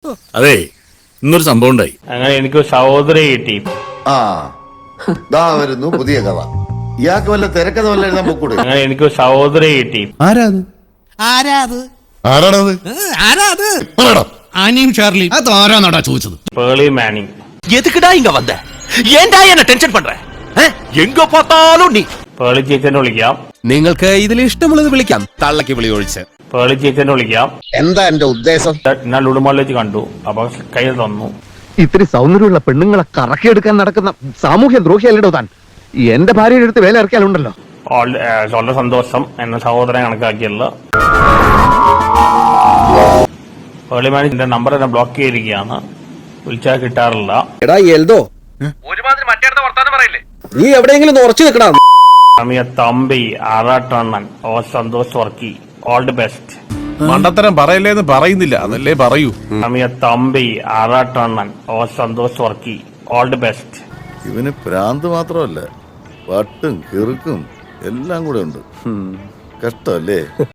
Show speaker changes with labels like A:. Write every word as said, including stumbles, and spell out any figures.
A: അതെ, ഇന്നൊരു സംഭവം ഉണ്ടായി.
B: അങ്ങനെ എനിക്ക് സഹോദരി കിട്ടി.
C: ആ ദാ വരുന്നു പുതിയ കഥ. ഇയാൾക്ക് വല്ല തിരക്കഥ വല്ല എഴുതാൻ പൊക്കൂടെ?
B: അങ്ങനെ എനിക്ക് സഹോദരി കിട്ടി.
D: ആരാത്
E: ആരാത്
D: ആരാണത്
E: ആരാത്
D: ആനിയും ഷാർലിയും അത് ആരാന്നാടാ ചോദിച്ചത്?
B: പേളി മാനിങ്.
F: எதுக்குடா இங்க வந்த? ஏன்டா என்ன டென்ஷன் பண்ற? எங்க பார்த்தாலும் நீ.
B: പേളി ചേച്ചനെ വിളിക്കാം.
D: നിങ്ങൾക്ക് ഇതിൽ ഇഷ്ടമുള്ളത് വിളിക്കാം, തള്ളക്ക് വിളി ഒഴിച്ച്.
B: പേളി ചേച്ചനെ വിളിക്കാം.
G: എന്താ എന്റെ ഉദ്ദേശം?
B: ഞാൻ ലുടുമാളിൽ വെച്ച് കണ്ടു. അപ്പൊ കൈ തന്നു.
G: ഇത്തിരി സൗന്ദര്യമുള്ള പെണ്ണുങ്ങളെ കറക്കിയെടുക്കാൻ നടക്കുന്ന സാമൂഹ്യ ദ്രോഹിയല്ലോ താൻ. എന്റെ ഭാര്യയുടെ അടുത്ത് വേല ഇറക്കിയാലുണ്ടല്ലോ.
B: വളരെ സന്തോഷം. എന്നെ സഹോദരൻ കണക്കാക്കിയല്ല. പേളി മാനിന്റെ നമ്പർ എന്നെ ബ്ലോക്ക് ചെയ്തിരിക്കുകയാണ്. വിളിച്ചാൽ കിട്ടാറില്ല.
H: എടാ എൽദോ, നീ എവിടെയെങ്കിലും ഉറച്ചു നിൽക്കടാ.
B: അമിയ തമ്പി ആറാട്ടണ്ണൻ ഓ Santhosh Varkey all the best.
A: മണ്ടത്തരം പറയല്ലേന്ന് പറയുന്നില്ല, അതല്ലേ പറയൂ.
B: അമിയ തമ്പി ആറാട്ടണ്ണൻ ഓ Santhosh Varkey all the best.
C: ഇവന് ഭ്രാന്ത് മാത്രമല്ല, വട്ടും കിറുക്കും എല്ലാം കൂടെ ഉണ്ട്. കഷ്ടല്ലേ?